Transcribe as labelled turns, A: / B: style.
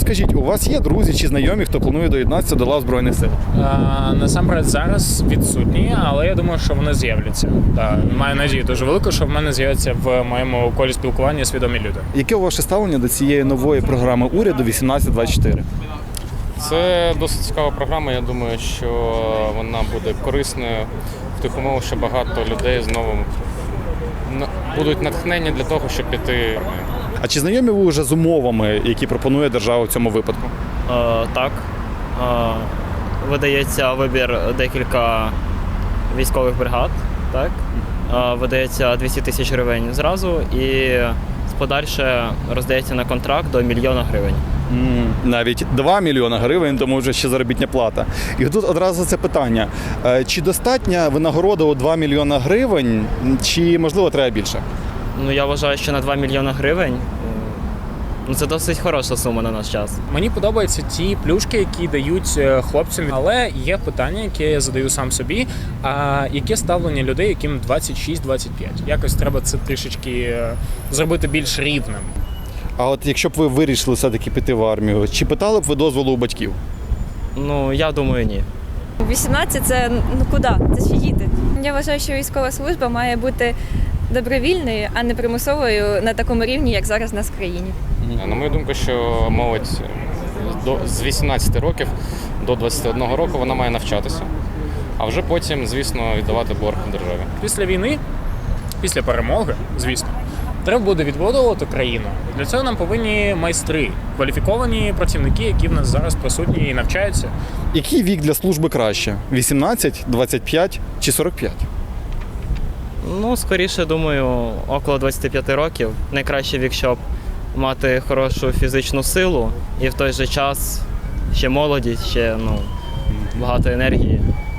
A: Скажіть, у вас є друзі чи знайомі, хто планує доєднатися до лав Збройних сил?
B: Насамперед зараз відсутні, але я думаю, що вони з'являться. Маю надію дуже велику, що в мене з'являться в моєму колі спілкування свідомі люди.
A: Яке ваше ставлення до цієї нової програми уряду 1824?
C: Це досить цікава програма. Я думаю, що вона буде корисною в тих умовах, що багато людей знову будуть натхнені для того, щоб піти в армію.
A: А чи знайомі ви вже з умовами, які пропонує держава в цьому випадку?
D: Так. Видається вибір декілька військових бригад. Так? Видається 200 тисяч гривень зразу і подальше роздається на контракт до 1 мільйона гривень.
A: Навіть 2 мільйона гривень, тому вже ще заробітна плата. І тут одразу це питання. Чи достатня винагорода у 2 мільйона гривень, чи, можливо, треба більше?
D: Ну, я вважаю, що на 2 мільйона гривень це досить хороша сума на наш час.
B: Мені подобаються ті плюшки, які дають хлопцям, але є питання, яке я задаю сам собі. А яке ставлення людей, яким 26-25? Якось треба це трішечки зробити більш рівним.
A: А от якщо б ви вирішили все-таки піти в армію, чи питали б ви дозволу у батьків?
D: Ну, я думаю, ні.
E: 18 – це куди? Це ще діти. Я вважаю, що військова служба має бути добровільною, а не примусовою на такому рівні, як зараз у нас в країні.
C: На мою думку, що молодь з 18 років до 21 року вона має навчатися, а вже потім, звісно, віддавати борг державі.
B: Після війни, після перемоги, звісно, треба буде відбудовувати країну. Для цього нам повинні майстри, кваліфіковані працівники, які в нас зараз присутні і навчаються.
A: Який вік для служби краще? 18, 25 чи 45?
D: Ну, скоріше, думаю, около 25 років. Найкращий вік, щоб мати хорошу фізичну силу і в той же час ще молодість, ще багато енергії.